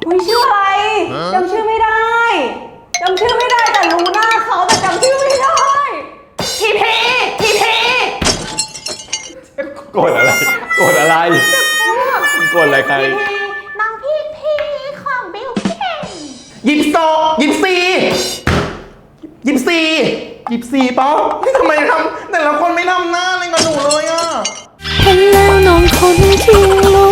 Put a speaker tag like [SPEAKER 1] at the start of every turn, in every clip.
[SPEAKER 1] อุ้ยชื่ออะไรจำชื่อไม่ได้จำชื่อไม่ได้แต่รู้หน้าเขาแต่จำชื่อไม่ได้ทีพี
[SPEAKER 2] โกรธอะไรโกรธอะไรโกรธอะไรใคร
[SPEAKER 1] น้องพีของบิลกิ้น
[SPEAKER 3] ยิปโซยิปซียิปซียิปซีป๊อปทำไมทำแต่ละคนไม่ทำหน้าอะไรกับหนูเลยอ่ะ
[SPEAKER 4] เห็นแล้วน้องคนที่รู้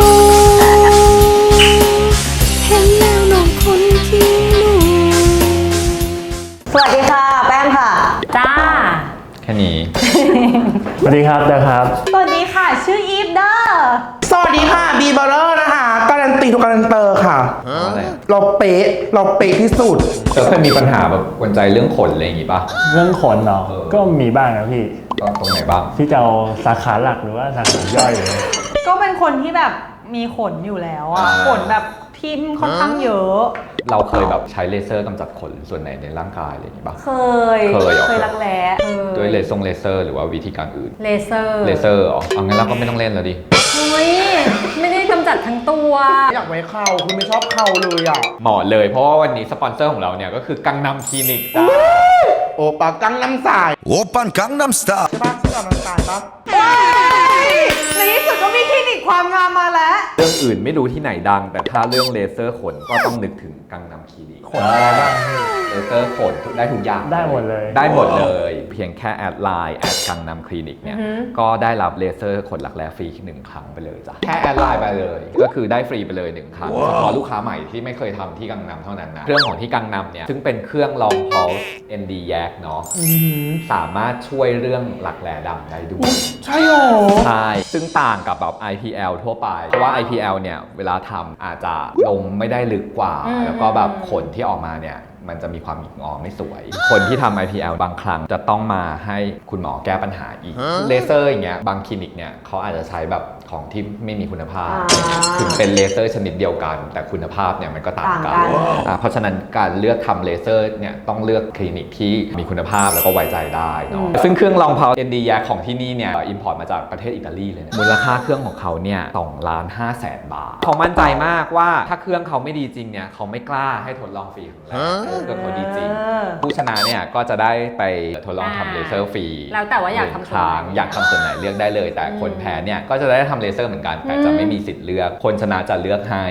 [SPEAKER 4] เห็นแล้วน้องคนที่รู้
[SPEAKER 1] สวัสดีค่ะแป้งค่ะจ้า
[SPEAKER 2] แค่นี้
[SPEAKER 5] สวัสดีครับนะครับ
[SPEAKER 1] สวัสดีค่ะชื่ออีฟเดอร์
[SPEAKER 3] สวัสดีค่ะบีเบอร์นะคะการันตีทุกการันเตอร์ค่ะเราเป๊ะที่สุด
[SPEAKER 2] เคยมีปัญหาแบบกวนใจเรื่องขนอะไรอย่างงี้ป่ะ
[SPEAKER 5] เรื่องขนเนาะก็มีบ้างนะพี่
[SPEAKER 2] ตรงไหนบ้าง
[SPEAKER 5] ที่จะเอาสาขาหลักหรือว่าสาขาย่อยเลย
[SPEAKER 1] ก็เป็นคนที่แบบมีขนอยู่แล้วอะขนแบบทิ่มค่อนข้างเยอะ
[SPEAKER 2] เราเคยแบบใช้เลเซอร์กำจัดขนส่วนไหนในร่างกายอะไรอย่างงี้ป่ะ
[SPEAKER 1] เคยรักแร้
[SPEAKER 2] ด้วยเลเซอร์หรือว่าวิธีการอื่น
[SPEAKER 1] เลเซอร์
[SPEAKER 2] อ๋อเอางั้นเราก็ไม่ต้องเล่นแล้วดิ
[SPEAKER 1] เฮ้ยไม่ได้กำจัดทั้งตัว
[SPEAKER 3] อยากไว้เข่าคุณไม่ชอบเข่าเลยอ่ะ
[SPEAKER 2] เหมาะเลยเพราะว่าวันนี้สปอนเซอร์ของเราเนี่ยก็คือกังนำคลินิกจ้า
[SPEAKER 3] โอปากังน้ำสาย
[SPEAKER 6] โอปันกังน้ำสไตล์
[SPEAKER 3] ใช่ปะชื่อน้ำสายปะ
[SPEAKER 1] ในที่สุดก็มีคลินิกความงามมาแล้ว
[SPEAKER 2] เรื่องอื่นไม่รู้ที่ไหนดังแต่ถ้าเรื่องเลเซอร์ขนก็ต้องนึกถึงกังนำคลินิก
[SPEAKER 5] ขนอะไรบ้าง
[SPEAKER 2] เลเซอร์ขนได้ทุกอย่าง
[SPEAKER 5] ได้หมดเลย
[SPEAKER 2] เพียงแค่แอดไลน์แอดกังนำคลินิกเนี่ยก็ได้รับเลเซอร์ขนหลักแร้ฟรี1 ครั้งไปเลยจ้ะแค่แอดไลน์ไปเลยก็คือได้ฟรีไปเลย1 ครั้งเฉพาะลูกค้าใหม่ที่ไม่เคยทำที่กังนำเท่านั้นนะเครื่องของที่กังนำเนี่ยซึ่งเป็นเครื่องลองพอลส์ ND Yak เนาะสามารถช่วยเรื่องหลักแร้ดำได้ด้วย
[SPEAKER 3] ใช่หรอ
[SPEAKER 2] ใช่ซึ่งต่างกับแบบ IPL ทั่วไปเพราะว่า IPL เนี่ยเวลาทำอาจจะลงไม่ได้ลึกกว่าแล้วก็แบบขนที่ออกมาเนี่ยมันจะมีความหงิกงอไม่สวยคนที่ทำ IPL บางครั้งจะต้องมาให้คุณหมอแก้ปัญหาอีกเลเซอร์อย่างเงี้ยบางคลินิกเนี่ยเขาอาจจะใช้แบบของที่ไม่มีคุณภาพถึงเป็นเลเซอร์ชนิดเดียวกันแต่คุณภาพเนี่ยมันก็ต่างกันเพราะฉะนั้นการเลือกทำเลเซอร์เนี่ยต้องเลือกคลินิกที่มีคุณภาพแล้วก็ไว้ใจได้เนาะซึ่งเครื่องลองเพา ND Yak ของที่นี่เนี่ยอิมพอร์ตมาจากประเทศอิตาลีเลยนะมูลค่าเครื่องของเขาเนี่ย2,500,000 บาทเขามั่นใจมากว่าถ้าเครื่องเขาไม่ดีจริงเนี่ยเขาไม่กล้าให้ทดลองฟรีของเราเครื่องเขาดีจริงผู้ชนะเนี่ยก็จะได้ไปทดลองทำเลเซอร์ฟรี
[SPEAKER 1] แล้วแต่ว่าอยากทำส่วนไหน
[SPEAKER 2] อยากทำส่วนไหนเลือกได้เลยแต่คนแพ้เนี่ยก็จะได้ทำเลเซอร์เหมือนกันแต่จะไม่มีสิทธิ์เลือกคนชนะจะเลือกให้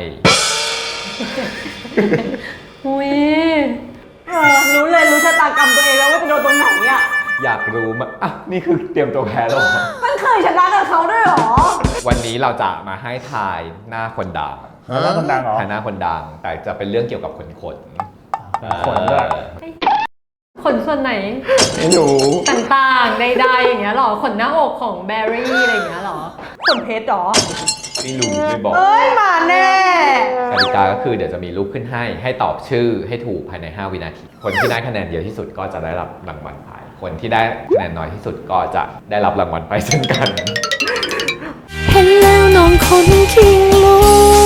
[SPEAKER 1] อุ้ยรู้ชะตากรรมตัวเองแล้วว่าจะโดนตรงไหนอ่ะ
[SPEAKER 2] อยากรู้มั้ยอ่ะนี่คือเตรียมตัวแพ้แล้ว
[SPEAKER 1] มันเคยชนะกับเขาด้วยหรอ
[SPEAKER 2] วันนี้เราจะมาให้ทายหน้าคนดัง
[SPEAKER 5] หน้าคนดังเหรอ
[SPEAKER 2] ทายหน้าคนดังแต่จะเป็นเรื่องเกี่ยวกับขน
[SPEAKER 5] ขนด้วย
[SPEAKER 1] ขนส่วนไหน
[SPEAKER 2] ไม่รู้
[SPEAKER 1] ต่างๆใดๆอย่างเงี้ยหรอขนหน้าอกของแบร์รี่อะไรอย่างเงี้ยหรอขนเพชรหรอ
[SPEAKER 2] ไม่รู้ไม่บอก
[SPEAKER 1] มาแน่
[SPEAKER 2] กติกาก็คือเดี๋ยวจะมีรูปขึ้นให้ตอบชื่อให้ถูกภายใน5 วินาทีคนที่ได้คะแนนเยอะที่สุดก็จะได้รับรางวัลไปคนที่ได้คะแนนน้อยที่สุดก็จะได้รับรางวัลไปเช่นกัน
[SPEAKER 4] เห็นแล้วน้องคนที่รู้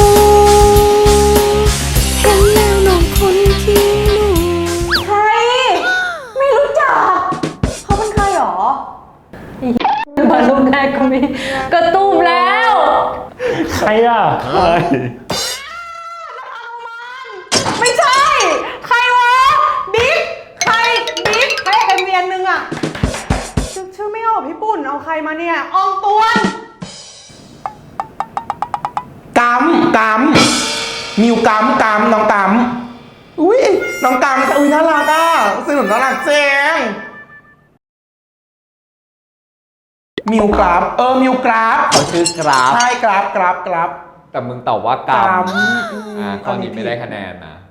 [SPEAKER 4] เห็นแล้วน้องคนที่รู้
[SPEAKER 1] ใครไม่รู้จักเขาเป็นใครหรอมารูปแรกก็มีกระตุ้มแล้ว
[SPEAKER 5] ใครอ่ะ
[SPEAKER 1] ไม่ใช่ใครวะบิ๊กใครเป็นเมียนนึงอ่ะชื่อไม่ออกพี่ปุ่นเอาใครมาเนี่ยอองตวน
[SPEAKER 3] กัมมิวกัมน้องกัมอุ้ยน้องกัมอุ้ยน่ารักอ่ะสนุกน่ารักเจ๋งมิวกราฟมิวกราฟ
[SPEAKER 2] เขาชื่อกราฟ
[SPEAKER 3] ใช่กราฟ
[SPEAKER 2] แต่มึงตอบว่ากัมข้อนี้ไม่ได้คะแนนนะ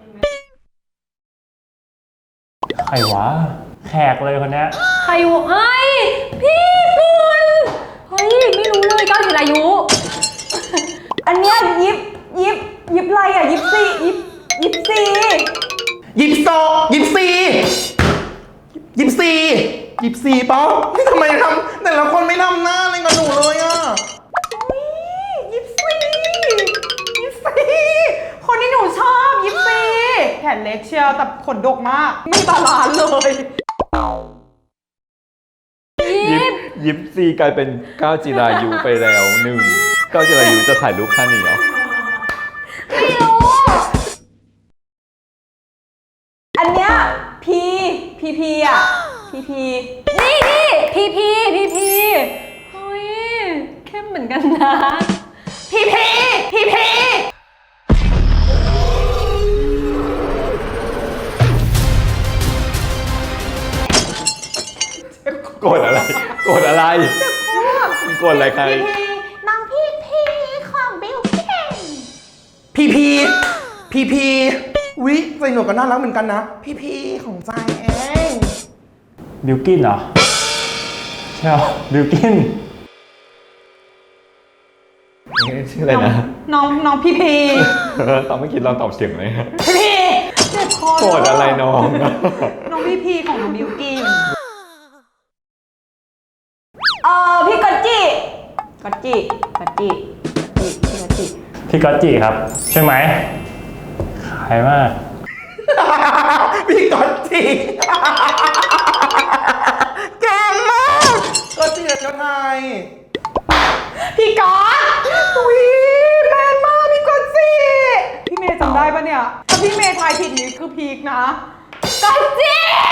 [SPEAKER 5] ใครวะแขกเลยคนนี้
[SPEAKER 1] ใครวะเฮ้ยพี่ปุ่นเฮ้ยไม่รู้เลยก้าวจิรายุอันเนี้ยยิบอะไรอ่ะยิบซี
[SPEAKER 3] ป๊อปทำไมทำแต่ละคนไม่ทำหน้าอะไรกับหนูเลยอ่ะ
[SPEAKER 1] ยิปซีคนที่หนูชอบยิปซีแขนเล็กเชียวแต่ขนดกมากไม่บาลานซ์เลย
[SPEAKER 2] ยิปซีกลายเป็นก้าวจิรายุไปแล้ว1ก้าวจิรายุจะถ่ายรูปท่านนี้เหรอ
[SPEAKER 1] ไม่รู้พีอ่ะพี
[SPEAKER 6] นี่พีเฮ้ยเข้มเหมือนกันนะ
[SPEAKER 1] พี
[SPEAKER 2] โกรธอะไรโกรธอะไรโกรธอะไรใคร
[SPEAKER 1] น้องพีของบิลกิ้น
[SPEAKER 3] พีวิใส่หนวดก็น่ารักเหมือนกันนะพีของใจเอง
[SPEAKER 5] บิลกินเหรอใช่เหรอบิลกิน
[SPEAKER 2] ชื่ออะไรนะ
[SPEAKER 1] น้องพี
[SPEAKER 2] ตอนเมื่อกี้ลองตอบเสียงเลย
[SPEAKER 1] เจ็บคอ
[SPEAKER 2] โกรธอะไรน้อง
[SPEAKER 1] น้องพีของน้องบิลกิ้น
[SPEAKER 6] พี่กอตจิ
[SPEAKER 5] พี่ก๊อตจิครับใช่ไหมขายมาก
[SPEAKER 3] พี่ก๊อตจิเก่งมากก๊อตจิเจ้าไทย
[SPEAKER 1] พี่ก๊อตอุ้ยแมนมากพี่ก๊อตสิพี่เมย์จำได้ปะเนี่ยถ้าพี่เมย์ทายผิดนี่คือพีคนะก๊อตจิ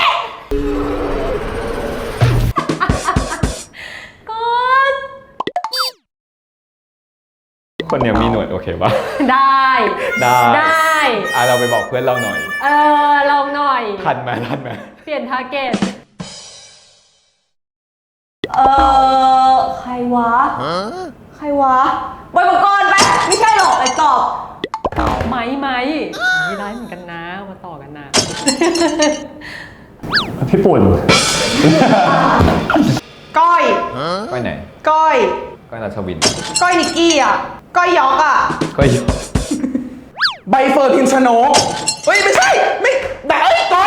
[SPEAKER 6] กอต
[SPEAKER 2] คนเนี้ยมีหนวดโอเคปะ
[SPEAKER 6] ได้
[SPEAKER 2] ได้
[SPEAKER 6] ได้
[SPEAKER 2] เราไปบอกเพื่อนเราหน่อย
[SPEAKER 6] ลองหน่อย
[SPEAKER 2] ทันไหม
[SPEAKER 6] เปลี่ยนทาร์เก็ตใครวะบอยปกรณ์ไปไม่ใช่หรอกไอ้ตอบไหมไม่ได้เหมือนกันนะมาต่อกันนะ
[SPEAKER 5] พี่ปุ่น
[SPEAKER 1] ก้อย
[SPEAKER 2] ก้อยไหน
[SPEAKER 1] ก้อย
[SPEAKER 2] ก้อยราชวิน
[SPEAKER 1] ก้อยนิกกี้อ่ะก้อยยอกอ่ะ
[SPEAKER 2] ก้อยยอ
[SPEAKER 3] ใบเฟิร์นพิมชนกเฮ้ยไม่ใช่ไม่แต่เอ้ยก้อย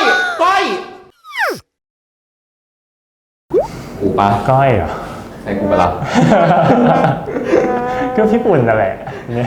[SPEAKER 2] กูปะ
[SPEAKER 5] ก้อยเหรอ
[SPEAKER 2] ใช่กูปะล่ะ
[SPEAKER 5] ก็พี่ปุ่นนั่นแหละเนี่ย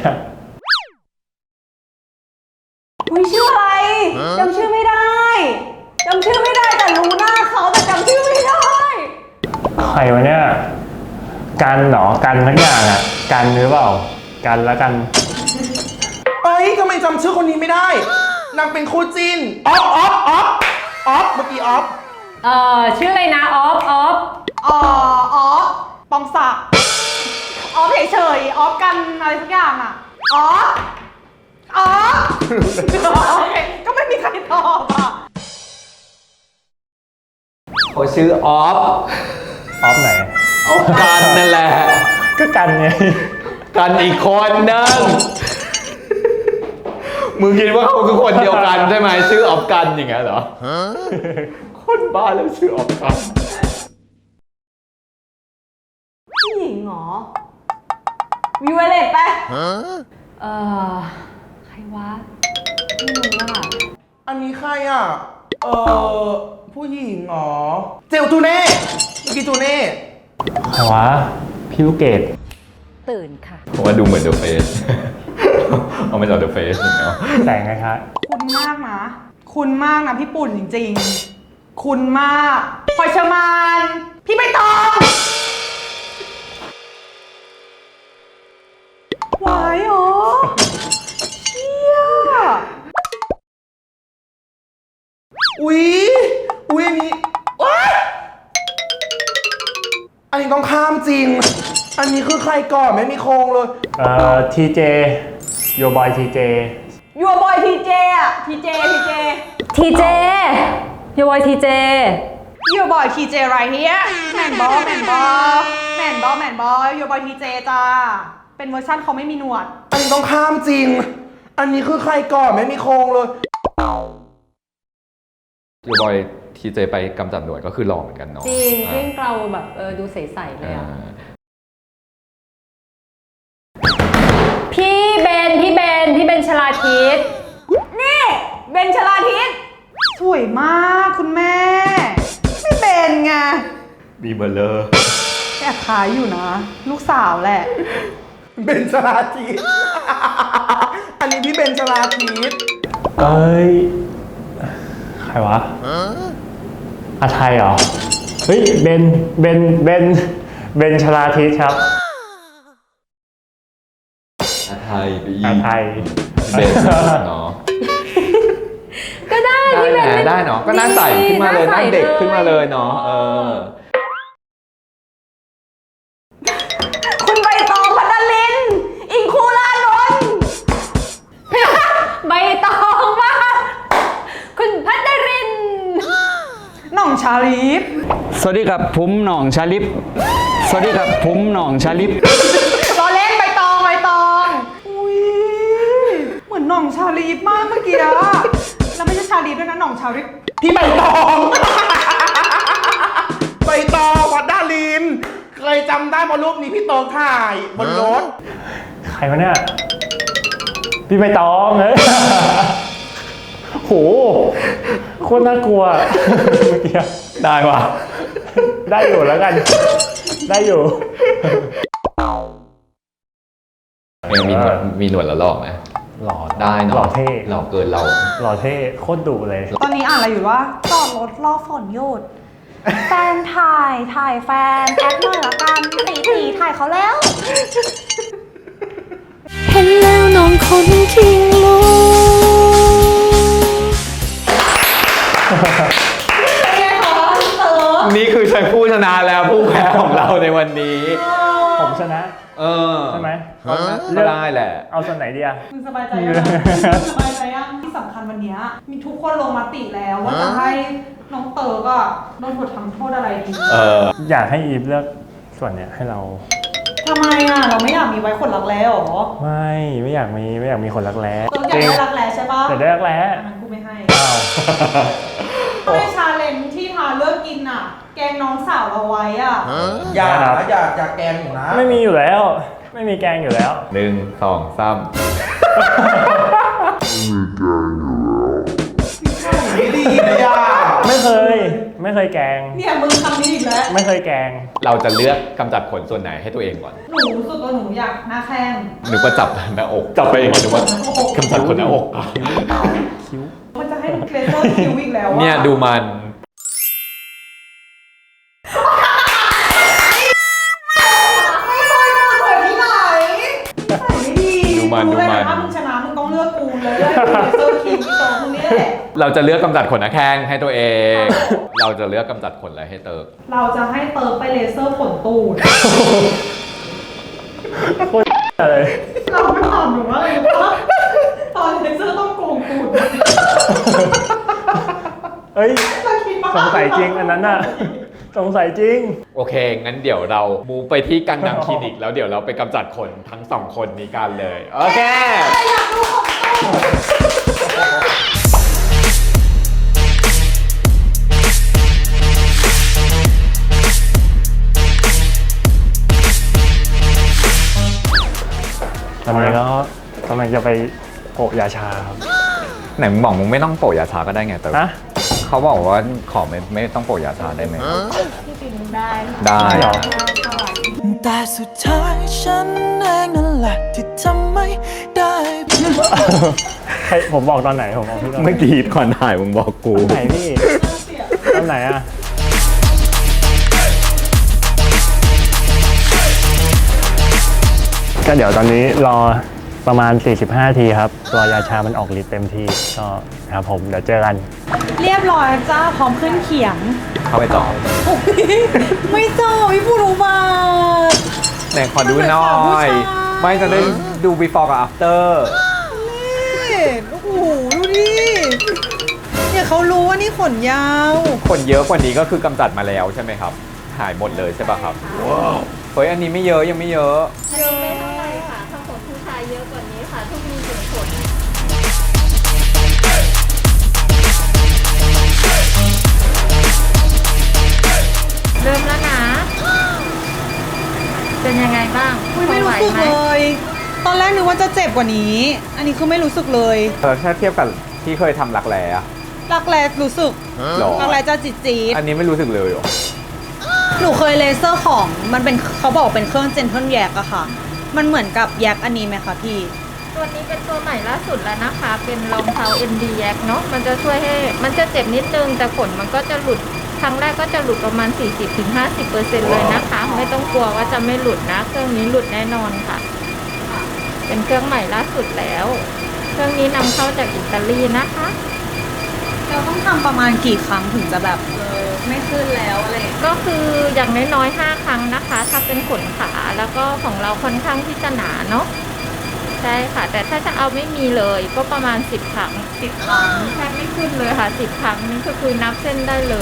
[SPEAKER 1] อุ้ยชื่ออะไรจำชื่อไม่ได้แต่รู้หน้าเขาแต่จำชื่อไม่ได้
[SPEAKER 5] ใครวะเนี่ยกันเหรอกันทั้งอย่างอ่ะกันหรือเปล่ากันแล้วกัน
[SPEAKER 3] เอ้ยทำไมจำชื่อคนนี้ไม่ได้นางเป็นคู่จิ้นออฟเมื่อกี้ออฟ
[SPEAKER 6] ชื่ออะไรนะออฟ
[SPEAKER 1] อ๋อปองศักดิ์ออฟเฉยๆออฟกันอะไรสักอย่างอ่ะอ๋อโอเคก็ไม่มีใครตอบอ่ะ
[SPEAKER 2] เขาชื่อออฟ
[SPEAKER 5] ออฟไหน
[SPEAKER 2] กันนั่นแหละ
[SPEAKER 5] ก็กันไง
[SPEAKER 2] กันอีกคนนึงมึงคิดว่าเขาคือคนเดียวกันใช่ไหมชื่อออฟกันอย่างเงี้ยเหรอคนบ้าแล้วชื่อออฟกัน
[SPEAKER 1] ผู้หญิงเหรอวิวเลตไป
[SPEAKER 6] ใครวะไม่รู้อ่ะ
[SPEAKER 3] อันนี้ใครอ่ะผู้หญิงเหรอเจลจูเน่เมื่อกี้จูเน่
[SPEAKER 5] ใครวะพี่ลูกเกด
[SPEAKER 6] ตื่นค่ะ
[SPEAKER 2] ผมว่าดูเหมือนเดอะเฟส เอามาจากเดอะเฟสอย่างเงี้ย
[SPEAKER 5] แต่งไงคะ
[SPEAKER 1] คุณมากนะพี่ปุ่นจริงๆคุณมากพลอยเชอร์มานพี่ใบตองหวายเหรอเชี่ย
[SPEAKER 3] อุ๊ยอันนี้ว้ายอันนี้ต้องข้ามจริง อันนี้คือใครก่อนไม่มีโครงเลย
[SPEAKER 5] ทีเจโยบอยทีเจ
[SPEAKER 1] ยูบอยทีเจอ่ะทีเจ
[SPEAKER 6] ยูวอยทีเจ
[SPEAKER 1] ยูบอยทีเจไรเฮียแมนบอยูบอยทีเจจ้าเป็นเวอร์ชันเขาไม่มีหนวด
[SPEAKER 3] อันนี้ต้องข้ามจริง อันนี้คือใครก่อนไม่มีโครงเลย
[SPEAKER 2] ยูบอยทีเจไปกำจัดหนวดก็คือหล่อเหมือนกันเนาะ
[SPEAKER 6] จริงยิ่งเราแบบดูใสๆเลยอ่ะ พี่เบนชลาทิศ
[SPEAKER 1] นี่เบนชลาทิศสวยมากคุณแม่ ไม่เป็นไง
[SPEAKER 2] บีเบอร์เลอร์
[SPEAKER 1] แอบขายอยู่นะ ลูกสาวแหละ
[SPEAKER 3] เบนชลาทิศ อันนี้พี่เบนชลาทิศ
[SPEAKER 5] เอ้ยใครวะอาไทยเหรอเฮ้ยเบนชลาทิศครับ
[SPEAKER 2] อาไทยไปอี
[SPEAKER 5] อาก ไทย
[SPEAKER 2] เบนเนาะ
[SPEAKER 6] ก็ได้
[SPEAKER 2] ได้
[SPEAKER 6] พี่เบน
[SPEAKER 2] นะได้เนาะก็หน้าใสขึ้นมาเลยหน้าเด็กขึ้นมาเลยเนาะ
[SPEAKER 6] คุณใบตองพัดลิน อิงคูลานนท์ใบตองมากคุณพัดริน
[SPEAKER 1] หน่องชาลีฟ
[SPEAKER 7] สวัสดีครับผมหน่องชาลิปสวัสดีครับผมหน่องชาลิป
[SPEAKER 1] รอเล่นใบตองอุ้ยเหมือนหน่องชาลีฟมากเมื่อกี้อะแล้วไม่ใช่ชาลีฟด้วยนะหน่องชาลีฟ
[SPEAKER 3] ที่ใบตอง ใบตองวัดดาลิน เคยจำได้เพราะรูปนี้พี่โตถ่ายบนรถ
[SPEAKER 5] ใครวะเนี่ย พี่ใบตองเฮ้ย โหโคตรน่ากลัวเมื่อกี้
[SPEAKER 2] ได้ว่ะ
[SPEAKER 5] ได้อยู่แล้วกัน ได้อยู่
[SPEAKER 2] มีหนวดแล้วหล่อไหม
[SPEAKER 5] หล่อ
[SPEAKER 2] ได้เนาะ
[SPEAKER 5] หล่อเท่
[SPEAKER 2] หล่อเกินเรา
[SPEAKER 5] หล่อเท่โคตรดุเลย
[SPEAKER 1] ตอนนี้อ่านอะไรอยู่วะจอดรถรอฝนหยุดแฟนถ่ายแฟนแอดหน่อยละกันตีถ่ายเขาแล้ว
[SPEAKER 4] เห็นแล้วน้องคนทิ้งลูก
[SPEAKER 2] นี่คือชัยผู้ชนะแล้วผู้แพ้ของเราในวันนี้
[SPEAKER 5] ผมชนะ ใช่ไหม
[SPEAKER 2] ก็ได้แหละ
[SPEAKER 5] เอาส่วนไหนดีอะ
[SPEAKER 1] มึงสบายใจยังสบายใจยังที่สำคัญวันเนี้ยมีทุกคนลงมติแล้วว่าจะให้น้องเต๋อก็โดนบททำโทษอะไรดี
[SPEAKER 5] อยากให้อีฟเลือกส่วนเนี้ยให้เรา
[SPEAKER 1] ทำไมอ่ะเราไม่อยากมีไว้คนรักแร้หรอ
[SPEAKER 5] ไม่อยากมีคนรักแร้
[SPEAKER 1] เต๋ออยากได้รักแร้ใช่ปะ
[SPEAKER 5] แต่ได้รักแร้
[SPEAKER 1] งั้นกูไม่ให้
[SPEAKER 5] อ้าว
[SPEAKER 1] ไม่ชาเลนจ์ที่ทาเลิกกินอ่ะ แกงน้องสาวเราไว้อ่ะ
[SPEAKER 3] อย่าแกล้งหนูนะ
[SPEAKER 5] ไม่มีอยู่แล้ว ไม่มีแกงอยู่แล้ว
[SPEAKER 2] 1 2 3
[SPEAKER 3] ไม่ดีเลยอ่ะ
[SPEAKER 5] ไม่เคยแกง
[SPEAKER 1] เนี่ยมึงทำนี้อีกแล้ว
[SPEAKER 5] ไม่เคยแกง
[SPEAKER 2] เราจะเลือกกำจัดขนส่วนไหนให้ตัวเองก่อน
[SPEAKER 1] หนูรู้สึกว่าหนูอยากหน้าแข้ง
[SPEAKER 2] นึกว่าจับหน้าอก จับไปเองนึกว่ากำจัดขนหน้าอก
[SPEAKER 1] มันจะให้เลเซอร์คิวอีกแล้วอ่ะ
[SPEAKER 2] เนี่ยดูมัน
[SPEAKER 1] ไม่เคยพูดเลยที่ไหนใส่ไม่ดี
[SPEAKER 2] ดูมัน
[SPEAKER 1] รู้เลยนะถ้ามึงชนะมึงต้องเลือกกูเลยเลเซอร์คิวที่โตมึงนี่แหละ
[SPEAKER 2] เราจะเลือกกำจัดขนหน้าแข้งให้ตัวเอง เราจะเลือกกำจัดขนอะไรให้เติร์ก
[SPEAKER 1] เราจะให้เติร์ไปเลเซอร์ขนตูด
[SPEAKER 5] โคตรเลย
[SPEAKER 1] เราไม่ถามหนูว่าอะไรรู้ปะตอนเลเซอร์ต้องโกงตูด
[SPEAKER 5] เอ้ย
[SPEAKER 1] เราคิดว่า
[SPEAKER 5] สงสัยจริงอันนั้นน่ะ สงสัยจริง
[SPEAKER 2] โอเค งั้นเดี๋ยวเรามูฟไปที่กังนังคลินิก แล้วเดี๋ยวเราไปกำจัดขนทั้งสองคนนี้กันเลย โอเค
[SPEAKER 1] อยากดูของตูด
[SPEAKER 5] ตอนนี้ก็กำลังจะไปโปะยาชาครับ
[SPEAKER 2] ไหนมึงบอกมึงไม่ต้องโปะยาชาก็ได้ไงเติร์ก
[SPEAKER 5] นะ
[SPEAKER 2] เขาบอกว่าขอไม่ต้องโปะยาชาได้ไหม
[SPEAKER 6] ได้
[SPEAKER 2] ได้
[SPEAKER 5] เหรอ
[SPEAKER 8] แต่สุดท้ายฉันเองนั่นแหละที่ทำไม่ได้
[SPEAKER 5] ใครผมบอกตอนไหนผมบอกพี่ตอนไหน
[SPEAKER 2] เมื่อกี้ก่อนถ่ายมึงบอกกู
[SPEAKER 5] ตอนไหนพี่ตอนไหนอะก็เดี๋ยวตอนนี้รอประมาณ 45 ทีครับ ตัวยาชามันออกฤทธิ์เต็มที่ก็ครับผมเดี๋ยวเจอกัน
[SPEAKER 1] เรียบร้อยจ้าพร้อมขึ้นเขียง
[SPEAKER 2] เข้าไปต่อ
[SPEAKER 1] ไม่เจอพี่ผู้รู้มา
[SPEAKER 2] ไหนขอดูหน่อย ไม่จะได้ดู before กับ after
[SPEAKER 1] โอ้โหดูดิเนี่ยเขารู้ว่านี่ขนยาว
[SPEAKER 2] ขนเยอะกว่านี้ก็คือกำจัดมาแล้วใช่ไหมครับ หายหมดเลยใช่ป่ะครับ ว้าว เฮ้ย อันนี้ไม่เยอะยังไม่เยอะ
[SPEAKER 9] ไม่เท่าไหร่ค่ะถ้าขนผู้ชายเยอะกว่านี้ค่ะ ทุกมีถึงขน เริ่มแล้วนะ เป็นยังไงบ้าง
[SPEAKER 1] ไม่รู้สึก
[SPEAKER 9] ไหว
[SPEAKER 1] เล
[SPEAKER 9] ไหม
[SPEAKER 1] ย ตอนแรกนึกว่าจะเจ็บกว่านี้ อันนี้คือไม่รู้สึกเลย
[SPEAKER 2] ถ้าเทียบกับที่เคยทำรักแร้อะ
[SPEAKER 1] รักแร้รู้สึก
[SPEAKER 2] หรอ
[SPEAKER 1] รักแร้จะจี๊ด
[SPEAKER 2] อันนี้ไม่รู้สึกเลยเหรอ
[SPEAKER 1] หนูเคยเลเซอร์ของมันเป็นเขาบอกเป็นเครื่องเจนเทิลแยกอะค่ะ มันเหมือนกับแยกอันนี้ไหมคะพี่
[SPEAKER 9] ตัวนี้เป็นตัวใหม่ล่าสุดแล้วนะคะ เป็นรองเท้า ND Yak เนาะ มันจะช่วยให้ มันจะเจ็บนิดนึง แต่ขนมันก็จะหลุด ครั้งแรกก็จะหลุดประมาณ 40-50% เลยนะคะ ไม่ต้องกลัวว่าจะไม่หลุดนะ เครื่องนี้หลุดแน่นอนค่ะ เป็นเครื่องใหม่ล่าสุดแล้ว เครื่องนี้นำเข้าจากอิตาลีนะคะ
[SPEAKER 1] แต่เราต้องทำประมาณกี่ครั้งถึงจะแบบไม่ขึ้นแล้วอะไรอย่างเงี้ย
[SPEAKER 9] ก็คืออย่างน้อยๆ5 ครั้งนะคะ ถ้าเป็นขนขาแล้วก็ของเราค่อนข้างที่จะหนาเนาะใช่ค่ะ แต่ถ้าจะเอาไม่มีเลยก็ประมาณ10 ครั้ง10 ครั้งแทบไม่ขึ้นเลยค่ะ10 ครั้งนี่ก็คือนับเส้นได้เลย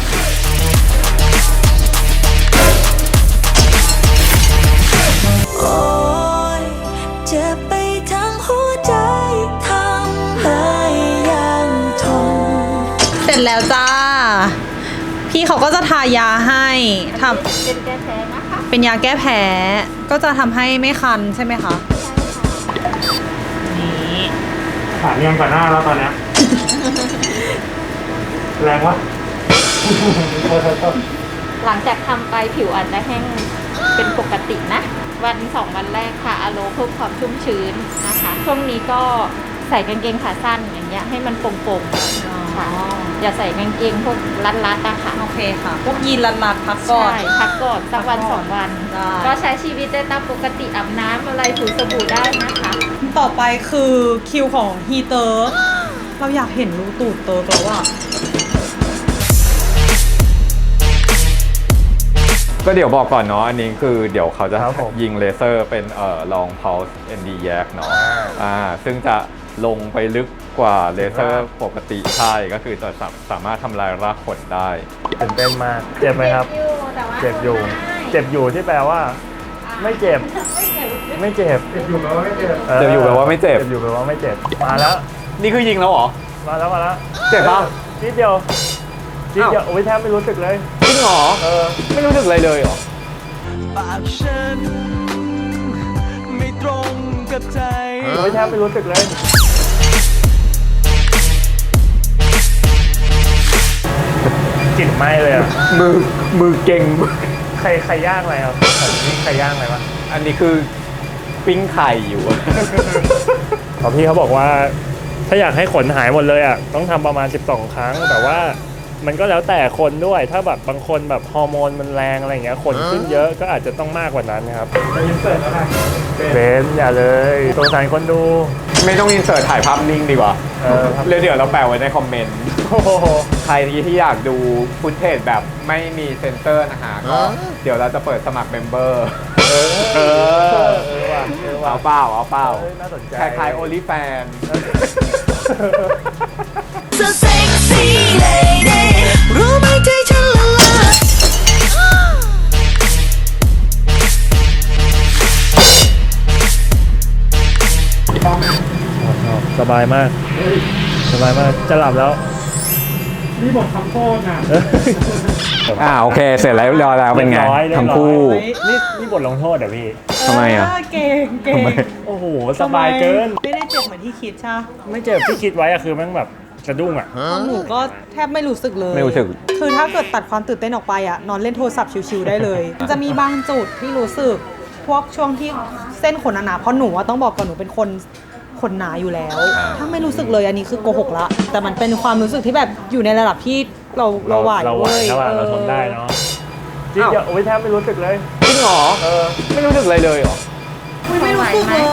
[SPEAKER 8] โอ้ยเจ็บไปทั้งหัวใจทำให้ยังทน
[SPEAKER 1] เสร็จแล้วจ้า พี่เขาก็จะทายาให้ท
[SPEAKER 9] เป็นแก้แพ้นะคะ
[SPEAKER 1] ำเป็นยาแก้แพ้ ก็จะทำให้ไม่คันใช่ไหมคะ นี่
[SPEAKER 5] ขาเรียงกว่าหน้าแล้วตอนเนี้ย แรงวะ
[SPEAKER 9] หลังจากทำไปผิวอาจจะแห้งเป็นปกตินะวัน2 วันแรกค่ะอะโลเพิ่มความชุ่มชื้นนะคะช่วงนี้ก็ใส่กางเกงขาสั้นอย่างเงี้ยให้มันโปร่งๆค่ะอย่าใส่กางเกงพวกรัดๆนะคะ
[SPEAKER 1] โอเคค่ะ พวกยีนรัดๆพักก่อน
[SPEAKER 9] ใช่พักก่อนสักวัน2 วัน
[SPEAKER 1] ได้
[SPEAKER 9] ก็ใช้ชีวิตได้ตามปกติอาบน้ำอะไรถูสบู่ได้นะคะ
[SPEAKER 1] ต่อไปคือคิวของฮีเตอร์ เราอยากเห็นรูตูดเติร์กแล้วอะ
[SPEAKER 2] ก็เดี๋ยวบอกก่อนเนาะอันนี้คือเดี๋ยวเขาจะ
[SPEAKER 5] ครับผม
[SPEAKER 2] ยิงเลเซอร์เป็นlong pulse ND yak เนาะซึ่งจะลงไปลึกกว่าเลเซอร์ปกติใช่ก็คือจะสามารถทำลายรากขนได้
[SPEAKER 5] ตื่นเต้นมาก เจ็บไหมครับ เจ็บอยู่ เจ็บอยู่ที่แปลว่า ไม่เจ็บ ไม่เจ็บ เจ็บอยู่แปลว่าไม่เจ็บ
[SPEAKER 2] เจ็บอยู่แปลว่าไม่เจ็บ
[SPEAKER 5] เจ็บอยู่แปลว่าไม่เจ็บ มาแล้ว
[SPEAKER 2] นี่คือยิงแล้วเหรอ
[SPEAKER 5] มาแล้ว
[SPEAKER 2] เจ็บปะ
[SPEAKER 5] นิดเดียวนิดเดียวโอ้ยแทบไม่รู้สึกเลย
[SPEAKER 2] จริงเหรอ ไม่รู้สึกอะไรเลยเหรอ
[SPEAKER 8] ปากฉันไม่ตรงกับใจ
[SPEAKER 5] โอ้ยแทบไม่รู้สึกเลย กลิ่นไหม้เลยอ่ะ
[SPEAKER 2] มือเก่ง
[SPEAKER 5] ใครย่างอะไรครับนี่ใครย่างอะไรวะ
[SPEAKER 2] อันนี้คือปิ้งไข่อยู่
[SPEAKER 5] พอพี่เขาบอกว่า ถ้าอยากให้ขนหายหมดเลยอ่ะต้องทำประมาณ12 ครั้ง แต่ว่ามันก็แล้วแต่คนด้วย ถ้าแบบบางคนแบบฮอร์โมนมันแรงอะไรอย่างเงี้ยขนขึ้นเยอะก็อาจจะต้องมากกว่านั้นครับเบนอย่าเลยสงสารคนดู
[SPEAKER 2] ไม่ต้องอินเสิร์ตถ่ายภาพนิ่งดีกว่า
[SPEAKER 5] ครับ
[SPEAKER 2] เดี๋ยวเราแปะไว้ในคอมเมนต์
[SPEAKER 5] โอ้โห
[SPEAKER 2] ใครที่อยากดูฟุตเทจแบบไม่มีเซนเซอร์นะฮะก็เดี๋ยวเราจะเปิดสมัครเมมเบอร์
[SPEAKER 5] ว่ะว่ะ
[SPEAKER 2] เอาเปล่า
[SPEAKER 5] น่าสนใจ
[SPEAKER 2] คล้ายๆโอลิแฟน
[SPEAKER 8] So sexy lady รู้ไหมใจฉันละลาย
[SPEAKER 5] สบายมาก สบายมาก จะหลับแล้ว
[SPEAKER 2] โอเค เสร็จแล้วเรียบร้อยแล้วเป็นไง
[SPEAKER 5] เรียบร้อย
[SPEAKER 2] ทั้งคู่
[SPEAKER 5] นี่บทลงโทษเหรอพี่
[SPEAKER 2] ทำไมอ่ะ
[SPEAKER 1] เก่ง
[SPEAKER 2] ทำไม
[SPEAKER 5] โอ้โห สบายเกิน
[SPEAKER 1] ไม่ได้เจ็บเหมือนที่คิดใช่ปะ
[SPEAKER 5] ไม่เจ็บที่คิดไว้อะคือแม่งแบบสะดุ้งอะ
[SPEAKER 1] ของหนูก็แทบไม่รู้สึกเลย
[SPEAKER 2] ไม่รู้สึก
[SPEAKER 1] คือถ้าเกิดตัดความตื่นเต้นออกไปอะนอนเล่นโทรศัพท์ชิวๆได้เลย จะมีบางจุดที่รู้สึก พวกช่วงที่เส้นขนหนาๆเพราะหนูว่าต้องบอกก่อนหนูเป็นคนขนหนาอยู่แล้ว ถ้าไม่รู้สึกเลยอันนี้คือโกหกละ แต่มันเป็นความรู้สึกที่แบบอยู่ในระดับที่เราไหว
[SPEAKER 5] เราไหว
[SPEAKER 1] เว้ย
[SPEAKER 5] ถ้าว่าเราทนได้เนาะที่เดียวโอ้ยแทบไม่รู้สึกเลย
[SPEAKER 2] จริงเหรอ ไม่รู้สึกอะไรเลยเหรอ
[SPEAKER 1] ไม่รู้สึกเลย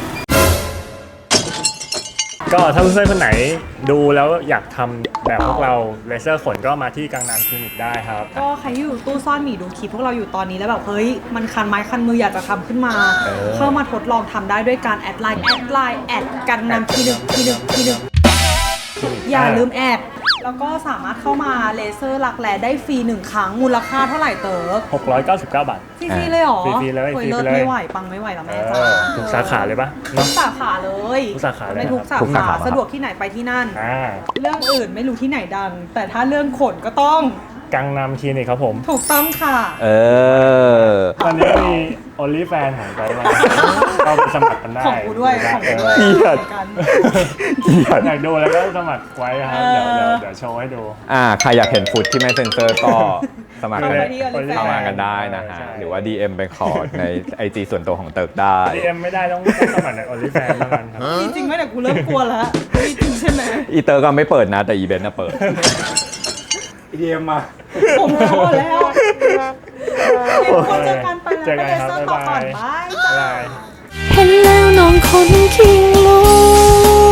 [SPEAKER 5] ก็ถ้าเพื่อนๆคนไหนดูแล้วอยากทำแบบพวกเราเลเซอร์ขนก็มาที่กังนามคลินิกได้ครับ
[SPEAKER 1] ก็ใครที่อยู่ตู้ซ่อนหมีดูคลิปพวกเราอยู่ตอนนี้แล้วแบบเฮ้ยมันคันไม้คันมืออยากจะทำขึ้นมา เข้ามาทดลองทำได้ด้วยการแอดไลน์แอดกันนำทีหนึ่งอย่าลืมแอดแล้วก็สามารถเข้ามาเลเซอร์รักแร้ได้ฟรี1 ครั้งมูลค่าเท่าไหร่เต๋อ
[SPEAKER 5] 699 บาท
[SPEAKER 1] ฟรีๆเลยเหรอ
[SPEAKER 5] ฟรีๆเลย
[SPEAKER 1] โอ้
[SPEAKER 5] ฟรีๆ
[SPEAKER 1] เลิศ
[SPEAKER 5] เลย
[SPEAKER 1] ไม่ไหวปังไม่ไหวแล้วแม่จ้า
[SPEAKER 5] ทุกสาขาเลยปะ
[SPEAKER 1] ทุ
[SPEAKER 5] เนาะ
[SPEAKER 1] กสาขาเลย
[SPEAKER 5] ทุกสาขาเลย
[SPEAKER 1] ไม่ทุกสา
[SPEAKER 2] ทุกสา
[SPEAKER 1] ขา
[SPEAKER 2] ขา
[SPEAKER 1] สะดวกที่ไหนไปที่นั่น
[SPEAKER 5] อ่า
[SPEAKER 1] เรื่องอื่นไม่รู้ที่ไหนดัง แต่ถ้าเรื่องขนก็ต้อง
[SPEAKER 5] กังนามคลินิกครับผม
[SPEAKER 1] ถูกต้องค่ะ
[SPEAKER 5] ตอนนี้มี OnlyFans ของใจมาก็ไปสมัครกันได้
[SPEAKER 1] ของกูด้วยของกูด้วย
[SPEAKER 2] เกลียด
[SPEAKER 1] กัน
[SPEAKER 5] อยากดูแล้วก็สมัครไว้ครับ เดี๋ยวโชว์ให้ดู
[SPEAKER 2] ใครอยากเห็นฟุตที่ไม่เซนเซอร์ก็สมัครกัน
[SPEAKER 1] เข้ามาที่ OnlyFans
[SPEAKER 2] เข้ามากันได้นะฮะ
[SPEAKER 5] ใช่
[SPEAKER 2] หรือว่า DM ไปขอใน IG ส่วนตัวของเติร์กได้
[SPEAKER 5] DM ไม่ได้ต้องสมัครใน OnlyFans เท่านั้นครับ
[SPEAKER 1] มีจริงไหมเนี่ยกูเริ่มกลัวแล้วมีจริงใช่ไหม
[SPEAKER 2] อีเตอร์ก็ไม่เปิดนะ แต่อีเบนต์น่ะเปิด
[SPEAKER 5] DM มา
[SPEAKER 1] ผมพอแล้วคนเจอกันไปแล้ว
[SPEAKER 5] เจอ
[SPEAKER 1] ไป
[SPEAKER 5] กัน
[SPEAKER 1] เล
[SPEAKER 5] ครับ
[SPEAKER 1] เซอร์ต่อก่อน
[SPEAKER 5] บ๊ายบาย
[SPEAKER 1] บายจ้า
[SPEAKER 5] บ๊ายบาย
[SPEAKER 4] เห็นแล้วน้องคนขี้รู้